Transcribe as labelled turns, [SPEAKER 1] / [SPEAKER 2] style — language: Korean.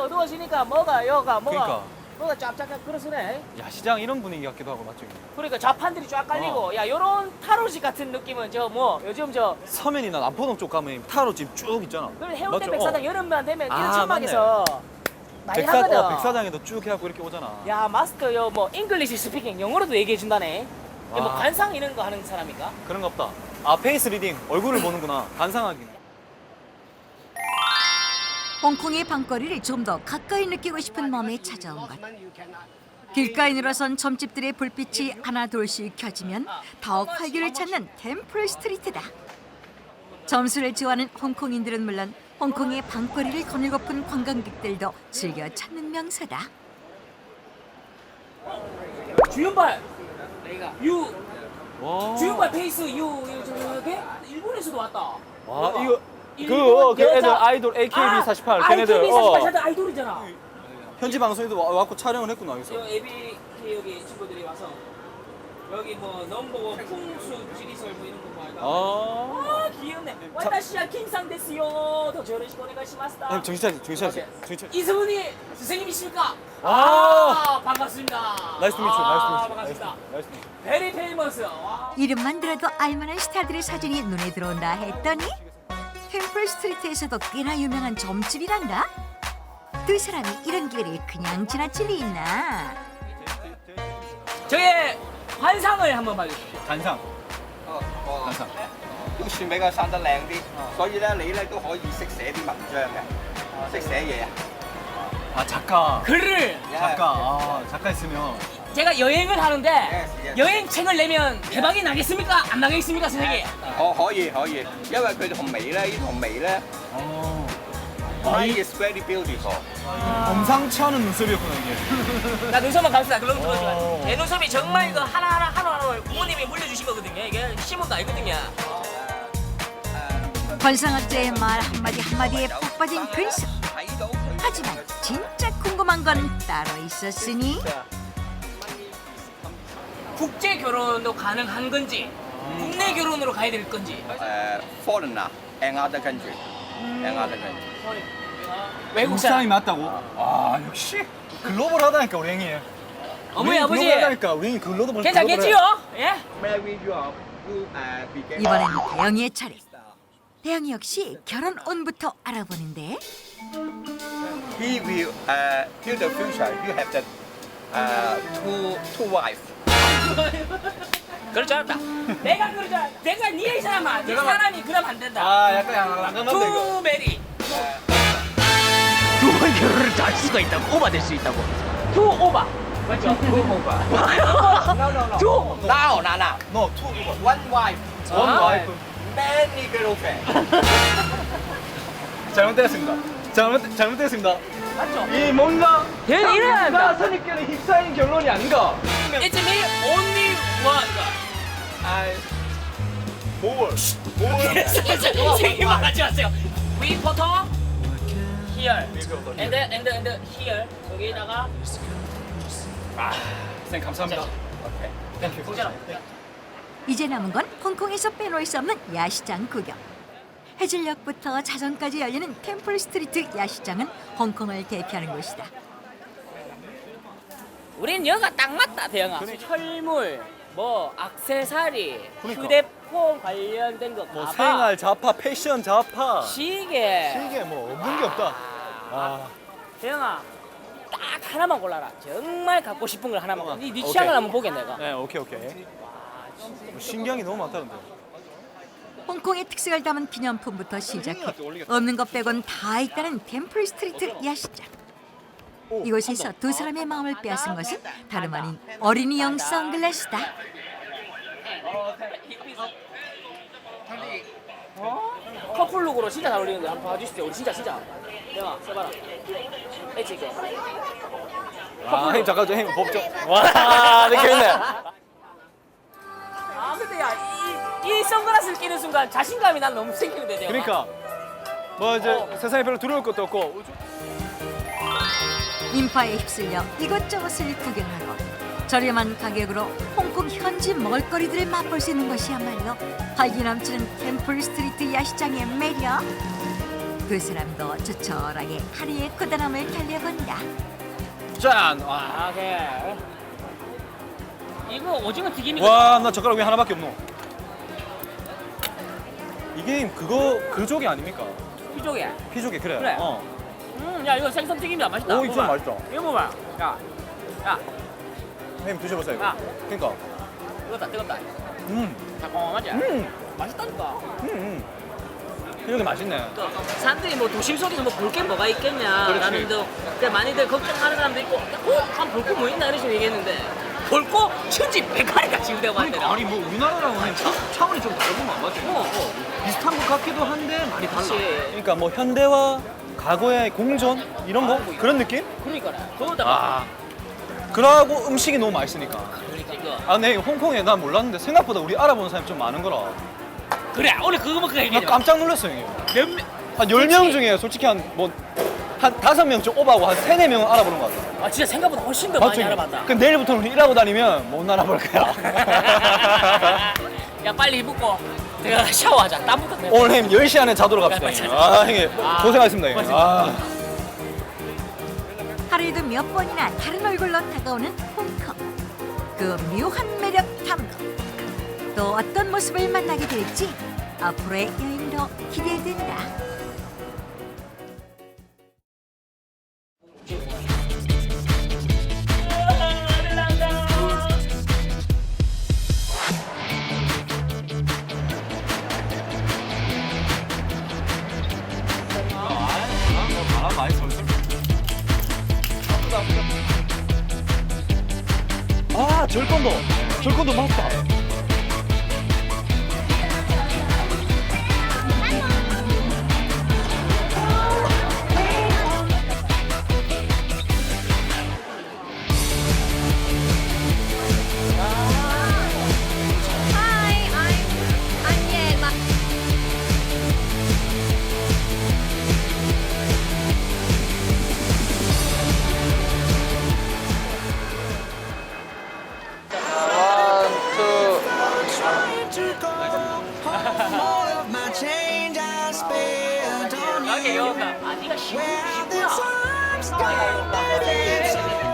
[SPEAKER 1] 어두워지니까 뭐가
[SPEAKER 2] 그러니까.
[SPEAKER 1] 뭐가 짭짭한 그러시네.
[SPEAKER 2] 야시장 이런 분위기 같기도 하고 맞죠?
[SPEAKER 1] 그러니까 좌판들이 쫙 깔리고 야 요런 타로시 같은 느낌은 저 뭐 요즘 저
[SPEAKER 2] 서면이나 남포동 쪽 가면 타로집 쭉 있잖아.
[SPEAKER 1] 그런 해운대
[SPEAKER 2] 맞죠?
[SPEAKER 1] 백사장 여름만 되면 이런
[SPEAKER 2] 아,
[SPEAKER 1] 천막에서 많이 하거든.
[SPEAKER 2] 백사장에도 쭉 해갖고 이렇게 오잖아.
[SPEAKER 1] 야 마스터 뭐 잉글리시 스피킹 영어로도 얘기해 준다네. 뭐
[SPEAKER 2] 와.
[SPEAKER 1] 관상 이런 거 하는 사람인가?
[SPEAKER 2] 그런 거 없다. 아, 페이스 리딩. 얼굴을 보는구나. 관상하기.
[SPEAKER 3] 홍콩의 밤거리를 좀 더 가까이 느끼고 싶은 마음에 찾아온 것. 길가에 늘어선 점집들의 불빛이 하나둘씩 켜지면 더욱 활기를 찾는 템플 스트리트다. 점수를 좋아하는 홍콩인들은 물론 홍콩의 밤거리를 거닐고픈 관광객들도 즐겨 찾는 명소다.
[SPEAKER 1] 주윤발 유
[SPEAKER 2] 와.
[SPEAKER 1] 주윤발 페이스 유 저게 일본에서도 왔다.
[SPEAKER 2] 와,
[SPEAKER 1] 대박.
[SPEAKER 2] 이거
[SPEAKER 1] 일본
[SPEAKER 2] 그 애들
[SPEAKER 1] 여자-
[SPEAKER 2] 아이돌 AKB48 걔네들
[SPEAKER 1] AKB 48 아이돌이잖아.
[SPEAKER 2] 현지 방송에도 와갖고 촬영을 했구나 여기서.
[SPEAKER 1] 저 ABK 여기 친구들이 와서 여기 뭐 넘버 풍수 지리설 뭐 이런 거 말까.
[SPEAKER 2] 아.
[SPEAKER 1] 귀엽네. 와타시야 킹상 데스요. 더 저러시고 오네가시마스다.
[SPEAKER 2] 형 정신 차리, 정신 차리, 정신 차리.
[SPEAKER 1] 이승훈이 선생님이십니까?
[SPEAKER 2] 아.
[SPEAKER 1] 반갑습니다.
[SPEAKER 2] 나이스 미츠, 나이스 미츠.
[SPEAKER 1] 반갑습니다.
[SPEAKER 2] 나이스 미츠.
[SPEAKER 1] 베리 페이머스. 와.
[SPEAKER 3] 이름만 들어도 알만한 스타들의 사진이 눈에 들어온다 했더니 템플 스트리트에서도 꽤나 유명한 점집이란다. 두 사람이 이런 기회를 그냥 지나칠 리 있나?
[SPEAKER 1] 저의 환상을 한번 봐주십시오.
[SPEAKER 2] 관상.
[SPEAKER 4] 哦，都算比較生得靚啲，所以咧你咧都可以識寫啲文章嘅，識寫嘢啊。
[SPEAKER 2] 아, 작가.
[SPEAKER 1] 글을
[SPEAKER 2] 작가. 아, 작가 있으면.
[SPEAKER 1] 제가 여행을 하는데
[SPEAKER 4] Yes.
[SPEAKER 1] 여행책을 내면 대박이 나겠습니까? 안 나겠습니까, 선생님?
[SPEAKER 4] 可以，因為佢同眉咧，呢同眉咧
[SPEAKER 2] 어.
[SPEAKER 4] ，eye is very beautiful。
[SPEAKER 2] 범상치 않은 눈썹이었구나 이게.
[SPEAKER 1] 나 눈썹만 감싸. 그럼
[SPEAKER 2] 오.
[SPEAKER 1] 들어줘요. 내 눈썹이 정말 이거 하나하나 부모님이 물려주신 거거든요. 이게 심은 거 아니거든요.
[SPEAKER 3] 관상학자의 말 한마디 한마디에 푹 빠진 근성.
[SPEAKER 4] 睇到佢
[SPEAKER 3] 하지만 진짜 궁금한 건 따로 있었으니
[SPEAKER 1] 국제 결혼도 가능한 건지 국내 결혼으로 가야 될 건지.
[SPEAKER 4] foreigner and other country，and other country。
[SPEAKER 1] 외국
[SPEAKER 2] 사람이
[SPEAKER 1] 사람.
[SPEAKER 2] 맞다고? 아, 역시 글로벌하다니까 우리 형이.
[SPEAKER 1] 어머니 아버지
[SPEAKER 2] 글로벌하다니까 우리 형이 글로도 벌써
[SPEAKER 1] 괜찮겠지요? 예?
[SPEAKER 4] Marry you are you begin。
[SPEAKER 3] 이번엔 대영이의 차례. 대영이 역시 결혼운부터 알아보는데
[SPEAKER 4] He will till the future you have the two wife。
[SPEAKER 1] 그럴 줄 알았다. 내가 그럴 줄 알았다. 내가 니네 사람아. 네 사람이 그럼 안 된다.
[SPEAKER 2] 아, 약간 양감한데 이거.
[SPEAKER 1] 투 메리. 두 번 결혼을 할 수가 있다고. 오바 될 수 있다고. 투 오바. 맞죠? 투 오바. 투.
[SPEAKER 4] Now, now.
[SPEAKER 2] 너 투.
[SPEAKER 4] One wife.
[SPEAKER 2] 원
[SPEAKER 1] 아.
[SPEAKER 2] 와이프.
[SPEAKER 4] Many girlfriend.
[SPEAKER 2] 잘못됐습니다. 잘못됐습니다.
[SPEAKER 1] 맞죠?
[SPEAKER 2] 이 뭔가
[SPEAKER 1] 이래야 한다.
[SPEAKER 2] 선입견에 휩싸인 결론이 아닌가?
[SPEAKER 1] It's me only one. 선생님 말하지 마세요. We photo here and here 여기다가
[SPEAKER 2] 선생님 감사합니다. 땡큐.
[SPEAKER 1] 보잖아.
[SPEAKER 3] 이제 남은 건 홍콩에서 빼놓을 수 없는 야시장 구경. 해질녘부터 자정까지 열리는 템플 스트리트 야시장은 홍콩을 대표하는 곳이다.
[SPEAKER 1] 우린 여가 딱 맞다 대영아. 철물, 뭐 액세서리,
[SPEAKER 2] 그러니까.
[SPEAKER 1] 휴대폰 관련된 거,
[SPEAKER 2] 뭐
[SPEAKER 1] 가방,
[SPEAKER 2] 생활 자파, 패션 자파.
[SPEAKER 1] 시계.
[SPEAKER 2] 이게 뭐 없는 게 없다. 아,
[SPEAKER 1] 대영아 딱 하나만 골라라. 정말 갖고 싶은 걸 하나만 골라. 네
[SPEAKER 2] 오케이.
[SPEAKER 1] 취향을 한번 보게 내가.
[SPEAKER 2] 네, 오케이. 뭐 신기한 게 너무 많다 근데.
[SPEAKER 3] 홍콩의 특색을 담은 기념품부터 시작해 없는 것 빼곤 다 있다는 템플 스트리트 야시장. 이곳에서 두 사람의 마음을 빼앗은 것은 다름 아닌 어린이용 선글라스다.
[SPEAKER 1] 커플룩으로 진짜 잘 어울리는데 한번 봐주십시오. 우리 진짜. 대영아 써봐라. 엣지 있게.
[SPEAKER 2] 아, 형님 잠깐 좀 형님 법정. 와, 이렇게 있네.
[SPEAKER 1] 아 근데 야 이 선글라스를 끼는 순간 자신감이 난 너무 생기는데 대영아.
[SPEAKER 2] 그러니까 뭐 이제 세상에 별로 두려울 것도 없고.
[SPEAKER 3] 인파에 휩쓸려 이것저것을 구경하고 저렴한 가격으로 홍콩 현지 먹을거리들을 맛볼 수 있는 것이야말로 활기 넘치는 템플 스트리트 야시장의 매력. 두 사람도 조촐하게 하루의 고단함을 달려본다.
[SPEAKER 2] 짠! 와,
[SPEAKER 1] 아, 오케이. 이거 오징어 튀김이거든.
[SPEAKER 2] 와, 나 젓가락 왜 하나밖에 없노? 이 게임 그 조개 아닙니까?
[SPEAKER 1] 이쪽에.
[SPEAKER 2] 피조개 그래.
[SPEAKER 1] 그래.
[SPEAKER 2] 어.
[SPEAKER 1] 야 이거 생선 튀김이다. 맛있다.
[SPEAKER 2] 오, 이거 좀
[SPEAKER 1] 먹어봐.
[SPEAKER 2] 맛있다.
[SPEAKER 1] 이거 먹어봐. 야,
[SPEAKER 2] 형님 드셔보세요. 이거.
[SPEAKER 1] 아.
[SPEAKER 2] 그러니까.
[SPEAKER 1] 뜨겁다.
[SPEAKER 2] 음.
[SPEAKER 1] 달콤하지? 맛있다니까.
[SPEAKER 2] 피조개 맛있네.
[SPEAKER 1] 사람들이 뭐 도심 속에서 뭐 볼 게 뭐가 있겠냐
[SPEAKER 2] 그렇지.
[SPEAKER 1] 라는 또 많이들 걱정하는 사람도 있고 한 볼 거 뭐 있나 이런 식으로 얘기했는데 볼 거 천지백화리가 지우대고 한대요.
[SPEAKER 2] 아니 뭐 우리나라랑은 차원이 좀 다른 건 맞지? 비슷한 것 같기도 한데 많이 달라.
[SPEAKER 1] 그치.
[SPEAKER 2] 그러니까 뭐 현대와 과거의 공존 이런 거 그런 느낌?
[SPEAKER 1] 그러니까 그거다가
[SPEAKER 2] 아. 그러고 음식이 너무 맛있으니까.
[SPEAKER 1] 그러니까 이거
[SPEAKER 2] 아, 근데 홍콩에 난 몰랐는데 생각보다 우리 알아보는 사람이 좀 많은 거라.
[SPEAKER 1] 그래 오늘 그거 먹고
[SPEAKER 2] 나
[SPEAKER 1] 얘기해.
[SPEAKER 2] 깜짝 놀랐어요, 형님.
[SPEAKER 1] 몇 명?
[SPEAKER 2] 한 10명 중에 솔직히 한 5명 좀 오버하고 한 3, 4명은 알아보는 것 같아.
[SPEAKER 1] 아 진짜 생각보다 훨씬 더 많이 알아봤다.
[SPEAKER 2] 그 내일부터는 우리 일하고 다니면 못 알아볼 거야.
[SPEAKER 1] 야 빨리 입고 내가 샤워하자. 땀부터 내고.
[SPEAKER 2] 오늘 형님 10시 안에 자도록 합시다.
[SPEAKER 1] 빨리
[SPEAKER 2] 형님.
[SPEAKER 1] 자자.
[SPEAKER 2] 형님 고생하셨습니다, 형님. 아.
[SPEAKER 3] 하루에도 몇 번이나 다른 얼굴로 다가오는 홍콩. 그 묘한 매력 탐구. 또 어떤 모습을 만나게 될지 앞으로의 여행도 기대된다.
[SPEAKER 2] 바람 많이 솔솔. 아, 절권도 맞다.
[SPEAKER 1] 여기 아 네가 쉽구나.